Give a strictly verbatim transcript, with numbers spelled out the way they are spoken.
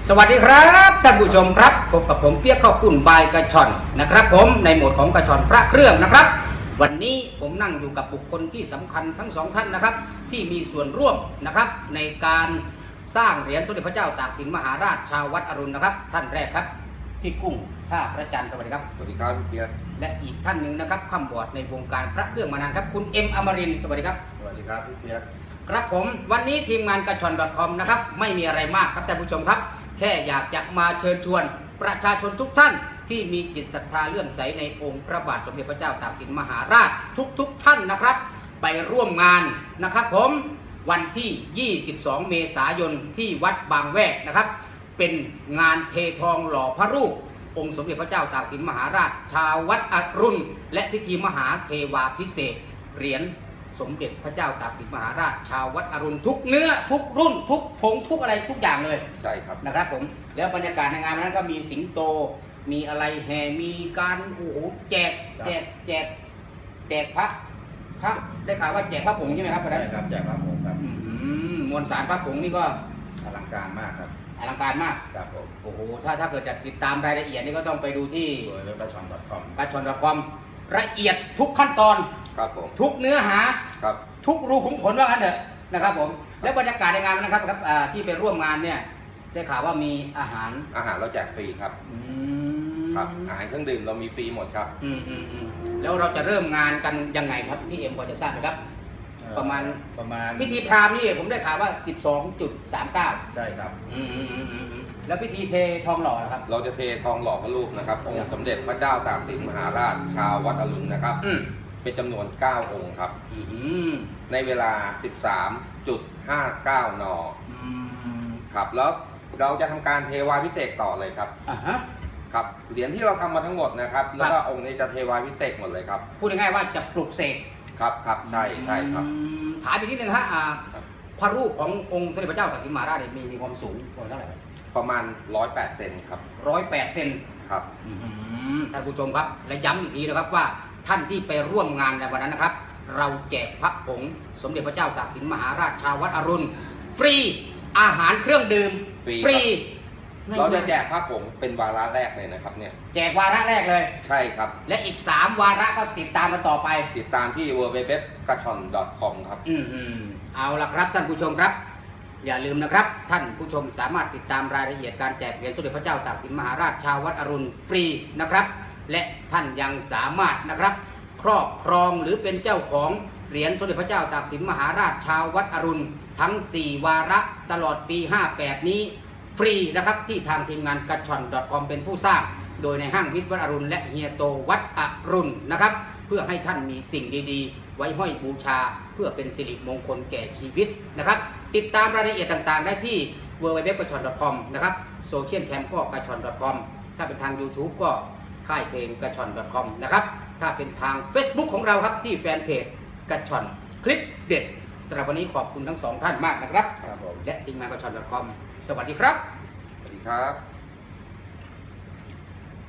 สวัสดีครับท่านผู้ชมครับพบกับผมเปียกข้าวปุ้นบายกระชอนนะครับผมในโหมดของกระชอนพระเครื่องนะครับวันนี้ผมนั่งอยู่กับบุคคลที่สำคัญทั้งสองท่านนะครับที่มีส่วนร่วมนะครับในการสร้างเหรียญสมเด็จพระเจ้าตากสินมหาราชชาววัดอรุณนะครับท่านแรกครับพี่กุ้งท่าพระจันทร์สวัสดีครับสวัสดีครับเปียกและอีกท่านหนึ่งนะครับข้ามบอดในวงการพระเครื่องมานานครับคุณเอ็มอมรินทร์สวัสดีครับสวัสดีครับพี่เปียกครับผมวันนี้ทีมงานกระชอน .com นะครับไม่มีอะไรมากครับท่านผู้ชมครับแค่อยากจะมาเชิญชวนประชาชนทุกท่านที่มีจิตศรัทธาเลื่อมใสในองค์พระบาทสมเด็จพระเจ้าตากสินมหาราชทุกๆ ท่านนะครับไปร่วมงานนะครับผมวันที่ยี่สิบสองเมษายนที่วัดบางแวกนะครับเป็นงานเททองหล่อพระรูปองค์สมเด็จพระเจ้าตากสินมหาราชชาววัดอรุณและพิธีมหาเทวาภิเษกเหรียญสมเด็จพระเจ้าตากสินมหาราชชาววัดอรุณทุกเนื้อทุกรุ่นทุกผงทุกอะไรทุกอย่างเลยใช่ครับนะครับผมแล้วบรรยากาศในงานนั้นก็มีสิงโตมีอะไรแห่มีการโอ้โหแจกแจกแจกแจกพระพระได้ข่าวว่าแจกพระผงใช่ไหมครับใช่ครับแจกพระผงครับมวลสารพระผงนี่ก็อลังการมากครับอลังการมากครับผมโอ้โหถ้าถ้าเกิดจะติดตามรายละเอียดนี่ก็ต้องไปดูที่เว็บกระชอน .com กระชอน .com ละเอียดทุกขั้นตอนครับผมทุกเนื้อหาครับทุกรูขุมขนว่างั้นเถอะนะครับผมแล้วบรรยากาศในงานนะครับครับที่ไปร่วมงานเนี่ยได้ข่าวว่ามีอาหารอาหารเราแจกฟรีครับครับอาหารเครื่องดื่มเรามีฟรีหมดครับอืมอืมอืมแล้วเราจะเริ่มงานกันยังไงครับพี่เอ็มพอจะทราบไหมครับประมาณประมาณพิธีพราหมณ์นี่ผมได้ข่าวว่า สิบสองจุดสามเก้าใช่ครับอืมอืมอืมอืมแล้วพิธีเททองหล่อนะครับเราจะเททองหล่อพระรูปนะครับองค์สมเด็จพระเจ้าตากสินมหาราชชาววัดอรุณนะครับเป็นจำนวนเก้าองค์ครับในเวลา สิบสามจุดห้าเก้า นครับแล้วเราจะทำการเทวาภิเษกต่อเลยครับอ่าฮะครับเหรียญที่เราทำมาทั้งหมดนะครับแล้วก็องค์นี้จะเทวาภิเษกหมดเลยครับพูดง่ายๆว่าจะปลุกเสกครับครับใช่ใช่ครับถามอีกนิดนึงฮะพระรูปขององค์สมเด็จพระเจ้าตากสินมหาราชมีมีความสูงประมาณเท่าไหร่ประมาณร้อยแปดเซนครับร้อยแปดเซนครับท่านผู้ชมครับและย้ำอีกทีนะครับว่าท่านที่ไปร่วมงานในวันนั้นนะครับเราแจกพระผงสมเด็จพระเจ้าตากสินมหาราชชาววัดอรุณฟรีอาหารเครื่องดื่มฟรีเราจะแจกพระผงเป็นวาระแรกเลยนะครับเนี่ยแจกวาระแรกเลยใช่ครับและอีกสามวาระก็ติดตามมาต่อไปติดตามที่ ดับเบิลยู ดับเบิลยู ดับเบิลยู ดอท กระชอน ดอท คอม ครับอืมอืมเอาละครับท่านผู้ชมครับอย่าลืมนะครับท่านผู้ชมสามารถติดตามรายละเอียดการแจกเหรียญสมเด็จพระเจ้าตากสินมหาราชชาววัดอรุณฟรีนะครับและท่านยังสามารถนะครับครอบครองหรือเป็นเจ้าของเหรียญสมเด็จพระเจ้าตากสินมหาราชชาววัดอรุณทั้งสี่วาระตลอดปีห้าแปดนี้ฟรีนะครับที่ทางทีมงานกระชอน .com เป็นผู้สร้างโดยในห้างวิทย์วัดอรุณและเฮียโตวัดอรุณนะครับเพื่อให้ท่านมีสิ่งดีๆไว้ห้อยบูชาเพื่อเป็นสิริมงคลแก่ชีวิตนะครับติดตามรายละเอียดต่างๆได้ที่ ดับเบิลยู ดับเบิลยู ดับเบิลยู ดอท กระชอน ดอท คอม นะครับโซเชียลแคมก็กระชอน ดอท คอม ถ้าเป็นทาง YouTube ก็ค่ายเพลงกระชอน ดอท คอม นะครับถ้าเป็นทาง Facebook ของเราครับที่แฟนเพจกระชอนคลิปเด็ดสำหรับวันนี้ขอบคุณทั้งสองท่านมากนะครับและทีมงานกระชอน ดอท คอม สวัสดีครับสวัสดีครับ